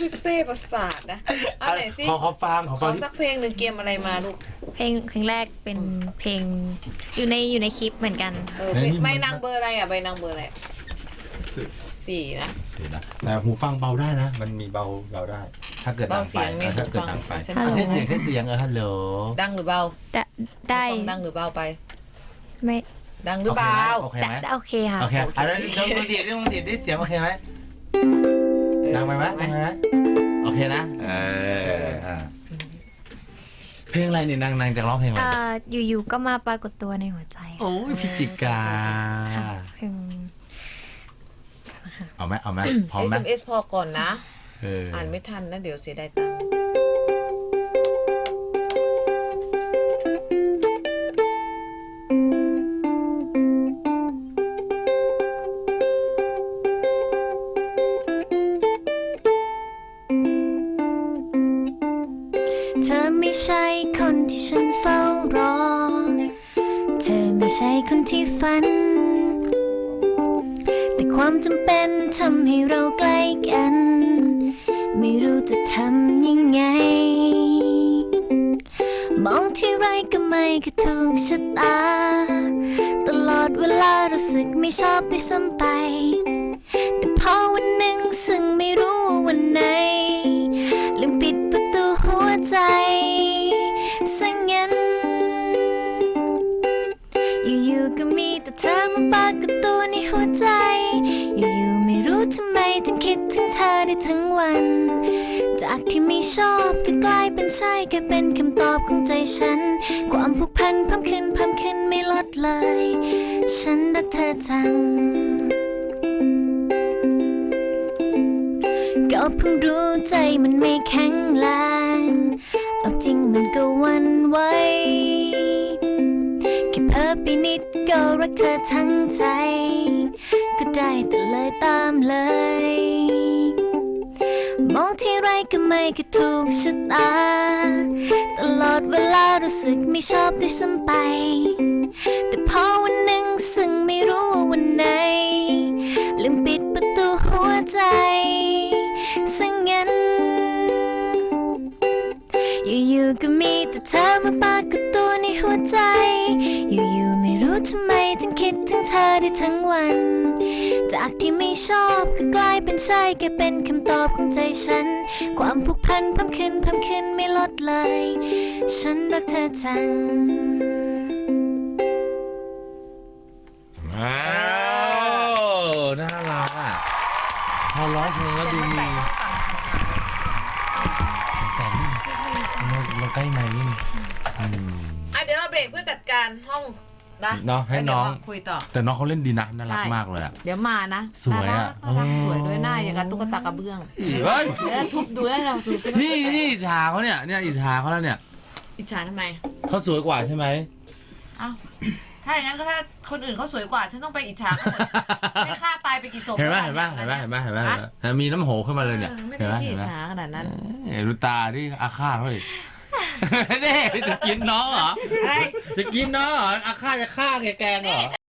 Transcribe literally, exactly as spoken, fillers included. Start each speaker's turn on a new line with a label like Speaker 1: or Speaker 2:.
Speaker 1: เป้ประสาทนะเอาไหนสิ
Speaker 2: ขอขอฟังขอ
Speaker 1: ข
Speaker 2: ฟั
Speaker 1: อง
Speaker 2: ที่
Speaker 1: สักเพลงหนึ่งเกมอะไรมาลูก
Speaker 3: เพลงเพลงแรกเป็นเพลงอยู่ในอยู่ในคลิปเหมือนกัน
Speaker 1: เออเป็นใบนางเบอร์อะไรอ่ะใบนางเบอร์อะไรสี่นะ
Speaker 2: เสียนะแต่หูฟังเบาได้นะ มันมีเบาเบาได้ ถ้าเกิดดังไปเออถ้าเกิดดังไป
Speaker 3: ฮัลโหล
Speaker 2: เทสเสียงเทสเสียงเออฮัลโหล
Speaker 1: ดังหรือเบา
Speaker 3: ได้ได้
Speaker 1: ฟังดังหรือเบาไป
Speaker 3: ไม่
Speaker 1: ดังหรือเบา
Speaker 2: โอเค
Speaker 3: ได้
Speaker 2: ไหม
Speaker 3: ได้โอเคค่ะ
Speaker 2: โอเคอันนั้นลองดีดลองดีดดิเสียงโอเคไหมดังไปไหมดังไปไหมโอเคนะเอออ่าเพลงอะไรนี่นางนางจะร้องเพลงอะไร
Speaker 3: เอ่ออยู่ๆก็มาปรากฏตัวในหัวใจ
Speaker 2: โอ้ยพิจิกา
Speaker 3: ค่ะเพลง
Speaker 2: เอาไหมเอาไหมพร้อม
Speaker 1: เอส
Speaker 2: ไหม
Speaker 1: เอ็มเอสพอก่อนนะ
Speaker 2: เออ
Speaker 1: อ่านไม่ทันนะเดี๋ยวเสียดายตังค์
Speaker 3: เธอไม่ใช่คนที่ฉันเฝ้ารอ เธอไม่ใช่คนที่ฝัน แต่ความจำเป็นทำให้เราใกล้กัน ไม่รู้จะทำยังไง มองที่ไรก็ไม่ก็ถูกชะตา ตลอดเวลารู้สึกไม่ชอบด้วยซ้ำไป แต่พอวันหนึ่งซึ่งไม่รู้ว่าวันไหนลืมปิดประตูหัวใจซะงั้น อยู่ๆก็มีแต่เธอมาปรากฏตัวในหัวใจ อยู่ๆไม่รู้ทำไมถึงคิดถึงเธอได้ทั้งวัน จากที่ไม่ชอบก็กลายเป็นใช่แค่เป็นคำตอบของใจฉัน ความผูกพันเพิ่มขึ้นเพิ่มขึ้นไม่ลดเลย ฉันรักเธอจัง ก็เพิ่งรู้ใจมันไม่แข็งแรงเอาจริงมันก็หวันไหวแค่เพ้อไปนิดก็รักเธอทั้งใจ ก็ได้แต่เลยตามเลย มองที่ไรก็ไม่ก็ถูกชะตา ตลอดเวลารู้สึกไม่ชอบด้วยซ้ำไป แต่พอวันหนึ่งซึ่งไม่รู้ว่าวันไหนลืมปิดประตูหัวใจซะงั้น อยู่ๆก็มีแต่เธอมาปรากฏตัวในหัวใจ อยู่ๆไม่รู้ทำไมถึงคิดถึงเธอได้ทั้งวัน จากที่ไม่ชอบก็กลายเป็นใช่แค่เป็นคำตอบของใจฉัน ความผูกพันเพิ่มขึ้นเพิ่มขึ้นไม่ลดเลย ฉันรักเธอจัง
Speaker 2: ว้าวน่ารักอ่ะพอร้องเพลงแล้วดูมีแต่นี่เราเราใกล้ไมค์นี่อืม
Speaker 1: อ่ะเดี๋ยวเราเบรกเพื่อจัดการห้องนะ
Speaker 2: เนาะให้น้อง
Speaker 1: แล้วเดี๋ยวมาคุยต่อ
Speaker 2: แต่น้องเขาเล่นดีนะน่ารัก
Speaker 1: ใช่
Speaker 2: มากเลยอ่ะ
Speaker 1: เดี๋ยวมานะ
Speaker 2: สวยอะ
Speaker 1: น่ารักน่ารัก
Speaker 2: เออ
Speaker 1: สวยด้วยหน้าอย่างกับตุ๊กตากระเบื้อง
Speaker 2: เฮ้ย
Speaker 1: เดี๋ยวทุบดูแล้วเราดูสิ
Speaker 2: นี่นี่อิจฉาเขาเนี่ยเนี่ยอิจฉาเขาแล้วเนี่ย
Speaker 1: อิจฉาทำไม
Speaker 2: เขาสวยกว่าใช่ไหม
Speaker 1: เอ้าถ้าอย่างนั้นก็ถ้าคนอื่นเขาสวยกว่าฉันต้องไปอิจฉาเขาหมดไม่ฆ่าตายไปกี่ศพ
Speaker 2: เห็นไหม
Speaker 1: แล้ว
Speaker 2: เห็นไหม
Speaker 1: ล่ะ
Speaker 2: เห็นไหมเห็นไหมเห็นไหมเห็นไหมเห็นไหมมีน้ำโหขึ้นมาเลยเนี่ย
Speaker 1: เออไม่
Speaker 2: เห็น
Speaker 1: ได้
Speaker 2: ไหม
Speaker 1: ขี้
Speaker 2: เห็น
Speaker 1: อิจ
Speaker 2: ไหม
Speaker 1: ฉาขนาดนั้น
Speaker 2: เห็นดูตาที่อาฆาตเขาดิเน่จะกินน้องเหรอ
Speaker 1: อะไร
Speaker 2: จะกินน้องเหรออาฆาตจะฆ่าแกแกงเหรอ